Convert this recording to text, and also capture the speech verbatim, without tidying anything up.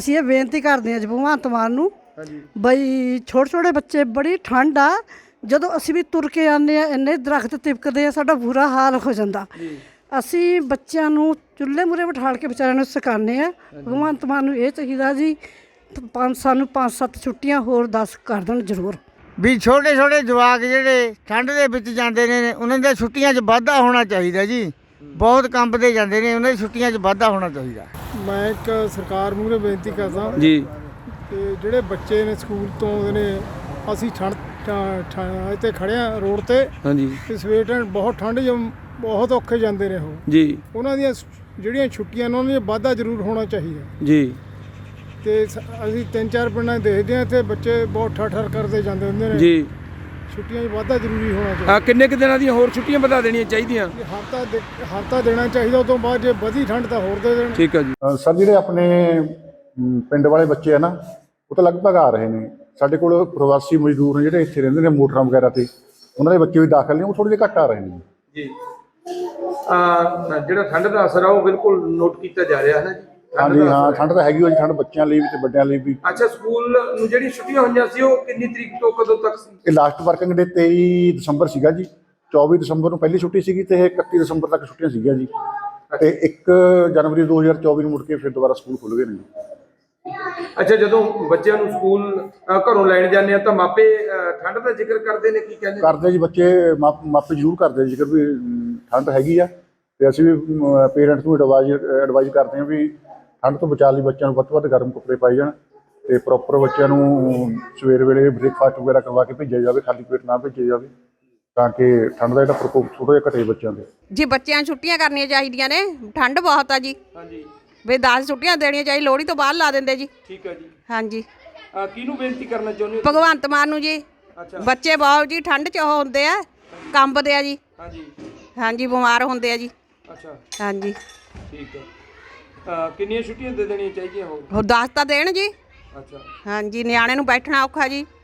ਅਸੀਂ ਇਹ ਬੇਨਤੀ ਕਰਦੇ ਹਾਂ ਜੀ ਭਗਵੰਤ ਮਾਨ ਨੂੰ ਬਈ ਛੋਟੇ ਛੋਟੇ ਬੱਚੇ ਬੜੀ ਠੰਡ ਆ, ਜਦੋਂ ਅਸੀਂ ਵੀ ਤੁਰ ਕੇ ਆਉਂਦੇ ਆ ਇੰਨੇ ਦਰਖਤ ਤਿਪਕਦੇ ਆ, ਸਾਡਾ ਬੁਰਾ ਹਾਲ ਹੋ ਜਾਂਦਾ। ਅਸੀਂ ਬੱਚਿਆਂ ਨੂੰ ਚੁੱਲ੍ਹੇ ਮੂਹਰੇ ਬਿਠਾਲ ਕੇ ਵਿਚਾਰਿਆਂ ਨੂੰ ਸਿਖਾਉਂਦੇ ਆ। ਭਗਵੰਤ ਮਾਨ ਨੂੰ ਇਹ ਚਾਹੀਦਾ ਜੀ ਪੰਜ ਸਾਨੂੰ ਪੰਜ ਸੱਤ ਛੁੱਟੀਆਂ ਹੋਰ ਦਸ ਕਰ ਦੇਣ ਜ਼ਰੂਰ। ਵੀ ਛੋਟੇ ਛੋਟੇ ਜਵਾਕ ਜਿਹੜੇ ਠੰਡ ਦੇ ਵਿੱਚ ਜਾਂਦੇ ਨੇ ਉਹਨਾਂ ਦੀਆਂ ਛੁੱਟੀਆਂ 'ਚ ਵਾਧਾ ਹੋਣਾ ਚਾਹੀਦਾ ਜੀ। ਬਹੁਤ ਕੰਬਦੇ ਜਾਂਦੇ ਨੇ, ਉਹਨਾਂ ਦੀ ਛੁੱਟੀਆਂ 'ਚ ਵਾਧਾ ਹੋਣਾ ਚਾਹੀਦਾ। ਮੈਂ ਇੱਕ ਸਰਕਾਰ ਮੂਹਰੇ ਬੇਨਤੀ ਕਰਦਾ ਜੀ ਕਿ ਜਿਹੜੇ ਬੱਚੇ ਨੇ ਸਕੂਲ ਤੋਂ ਆਉਂਦੇ ਨੇ, ਅਸੀਂ ਠੰਡ ਇੱਥੇ ਖੜ੍ਹੇ ਹਾਂ ਰੋਡ 'ਤੇ। ਹਾਂਜੀ ਤੇ ਸਵੇਰ ਟਾਈਮ ਬਹੁਤ ਠੰਡ ਜ ਬਹੁਤ ਔਖੇ ਜਾਂਦੇ ਨੇ ਉਹ ਜੀ। ਉਹਨਾਂ ਦੀਆਂ ਜਿਹੜੀਆਂ ਛੁੱਟੀਆਂ ਨੇ ਉਹਨਾਂ 'ਚ ਵਾਧਾ ਜ਼ਰੂਰ ਹੋਣਾ ਚਾਹੀਦਾ ਜੀ। ਤੇ ਅਸੀਂ ਤਿੰਨ ਚਾਰ ਪਿੰਡਾਂ 'ਚ ਦੇਖਦੇ ਹਾਂ ਇੱਥੇ ਬੱਚੇ ਬਹੁਤ ਠਰ ਠਰ ਕਰਦੇ ਜਾਂਦੇ ਹੁੰਦੇ ਨੇ ਜੀ। ਛੁੱਟੀਆਂ 'ਚ ਵਾਧਾ ਜ਼ਰੂਰੀ ਹੋਣਾ ਚਾਹੀਦਾ। ਆ ਕਿੰਨੇ ਕੁ ਦਿਨਾਂ ਦੀਆਂ ਹੋਰ ਛੁੱਟੀਆਂ ਵਧਾ ਦੇਣੀਆਂ ਚਾਹੀਦੀਆਂ? ਹਫ਼ਤਾ ਦੇ ਹਫ਼ਤਾ ਦੇਣਾ ਚਾਹੀਦਾ, ਉਸ ਤੋਂ ਬਾਅਦ ਜੇ ਵਧੀ ਠੰਡ ਤਾਂ ਹੋਰ ਦੇ ਦੇਣ। ਠੀਕ ਹੈ ਜੀ। ਸਰ ਜਿਹੜੇ ਆਪਣੇ ਅਮ, ਪਿੰਡ ਵਾਲੇ ਬੱਚੇ ਆ ਨਾ, ਉਹ ਤਾਂ ਲਗਭਗ ਆ ਰਹੇ ਨੇ। ਸਾਡੇ ਕੋਲ ਪ੍ਰਵਾਸੀ ਮਜ਼ਦੂਰ ਨੇ ਜਿਹੜੇ ਇੱਥੇ ਰਹਿੰਦੇ ਨੇ ਮੋਟਰਾਂ ਵਗੈਰਾ ਤੇ, ਉਹਨਾਂ ਦੇ ਬੱਚੇ ਵੀ ਦਾਖਲ ਨੇ, ਉਹ ਥੋੜ੍ਹੇ ਜਿਹੇ ਘੱਟ ਆ ਰਹੇ ਨੇ ਜੀ। ਆ ਜਿਹੜਾ ਠੰਡ ਦਾ ਅਸਰ ਆ ਉਹ ਬਿਲਕੁਲ ਨੋਟ ਕੀਤਾ ਜਾ ਰਿਹਾ ਹੈ ਨਾ ਜੀ। ਹਾਂਜੀ ਹਾਂ, ਠੰਡ ਤਾਂ ਹੈਗੀ ਹੋਈ ਜੀ, ਠੰਡ ਬੱਚਿਆਂ ਲਈ ਵੀ ਤੇ ਵੱਡਿਆਂ ਲਈ ਵੀ। ਅੱਛਾ, ਸਕੂਲ ਨੂੰ ਜਿਹੜੀ ਛੁੱਟੀਆਂ ਹੋਈਆਂ ਸੀ ਉਹ ਕਿੰਨੀ ਤਰੀਕ ਤੋਂ ਕਦੋਂ ਤੱਕ ਸੀ? ਇਹ ਲਾਸਟ ਵਰਕਿੰਗ ਡੇ ਤੇਈ ਦਸੰਬਰ ਸੀਗਾ ਜੀ। ਚੌਵੀ ਦਸੰਬਰ ਨੂੰ ਪਹਿਲੀ ਛੁੱਟੀ ਸੀਗੀ ਤੇ ਇਹ ਇਕੱਤੀ ਦਸੰਬਰ ਤੱਕ ਛੁੱਟੀਆਂ ਸੀਗੀਆਂ ਜੀ। ਤੇ ਇੱਕ ਜਨਵਰੀ ਦੋ ਹਜ਼ਾਰ ਚੌਵੀ ਨੂੰ ਮੁੜ ਕੇ ਫਿਰ ਦੁਬਾਰਾ ਸਕੂਲ ਖੁੱਲ੍ਹ ਗਏ ਨੇ ਜੀ। ਅੱਛਾ, ਜਦੋਂ ਬੱਚਿਆਂ ਨੂੰ ਸਕੂਲ ਘਰੋਂ ਲੈਣ ਜਾਂਦੇ ਆ ਤਾਂ ਮਾਪੇ ਠੰਡ ਦਾ ਜ਼ਿਕਰ ਕਰਦੇ ਨੇ, ਕੀ ਕਹਿੰਦੇ? ਕਰਦੇ ਜੀ ਬੱਚੇ, ਮਾਪੇ ਜ਼ਰੂਰ ਕਰਦੇ ਜ਼ਿਕਰ ਵੀ ਅਮ, ਠੰਡ ਹੈਗੀ ਆ। ਤੇ ਅਸੀਂ ਵੀ ਪੇਰੈਂਟਸ ਨੂੰ ਐਡਵਾਈਜ਼ ਐਡਵਾਈਜ਼ ਕਰਦੇ ਹਾਂ ਵੀ ਠੰਡ ਤੋਂ ਬਚਾਅ ਲਈ ਬੱਚਿਆਂ ਨੂੰ ਵੱਧ ਤੋਂ ਵੱਧ ਗਰਮ ਕੱਪੜੇ ਪਾਏ ਜਾਣ ਤੇ ਪ੍ਰੋਪਰ ਬੱਚਿਆਂ ਨੂੰ ਸਵੇਰ ਵੇਲੇ ਬ੍ਰੇਕਫਾਸਟ ਵਗੈਰਾ ਕਰਵਾ ਕੇ ਭੇਜਿਆ ਜਾਵੇ, ਖਾਲੀ ਪੇਟ ਨਾ ਭੇਜਿਆ ਜਾਵੇ, ਤਾਂ ਕਿ ਠੰਡ ਦਾ ਜਿਹੜਾ ਪ੍ਰਕੋਪ ਥੋੜ੍ਹਾ ਜਿਹਾ ਘਟੇ ਬੱਚਿਆਂ ਦੇ। ਜੀ ਬੱਚਿਆਂ ਨੂੰ ਛੁੱਟੀਆਂ ਕਰਨੀਆਂ ਚਾਹੀਦੀਆਂ ਨੇ, ਠੰਡ ਬਹੁਤ ਆ ਜੀ। ਹਾਂਜੀ ਵੀ ਦਸ ਛੁੱਟੀਆਂ ਦੇਣੀਆਂ ਚਾਹੀਦੀਆਂ, ਲੋਹੜੀ ਤੋਂ ਬਾਅਦ ਲਾ ਦਿੰਦੇ ਜੀ। ਠੀਕ ਹੈ ਜੀ। ਹਾਂਜੀ, ਕਿਹਨੂੰ ਬੇਨਤੀ ਕਰਨਾ ਚਾਹੁੰਦੇ ਹੋ? ਭਗਵੰਤ ਮਾਨ ਨੂੰ ਜੀ। ਅੱਛਾ। ਬੱਚੇ ਬਹੁਤ ਜੀ ਠੰਡ 'ਚ ਉਹ ਹੁੰਦੇ ਆ, ਕੰਬਦੇ ਆ ਜੀ। ਹਾਂਜੀ ਹਾਂਜੀ, ਬਿਮਾਰ ਹੁੰਦੇ ਆ ਜੀ। ਅੱਛਾ ਹਾਂਜੀ, ਠੀਕ ਹੈ। ਕਿੰਨੀਆਂ ਛੁੱਟੀਆਂ ਦੇ ਦੇਣੀਆਂ ਚਾਹੀਦੀਆਂ ਹੋਰ? ਉਹ ਦਸ ਤਾਂ ਦੇਣ ਜੀ। ਅੱਛਾ। ਹਾਂਜੀ, ਨਿਆਣੇ ਨੂੰ ਬੈਠਣਾ ਔਖਾ ਜੀ।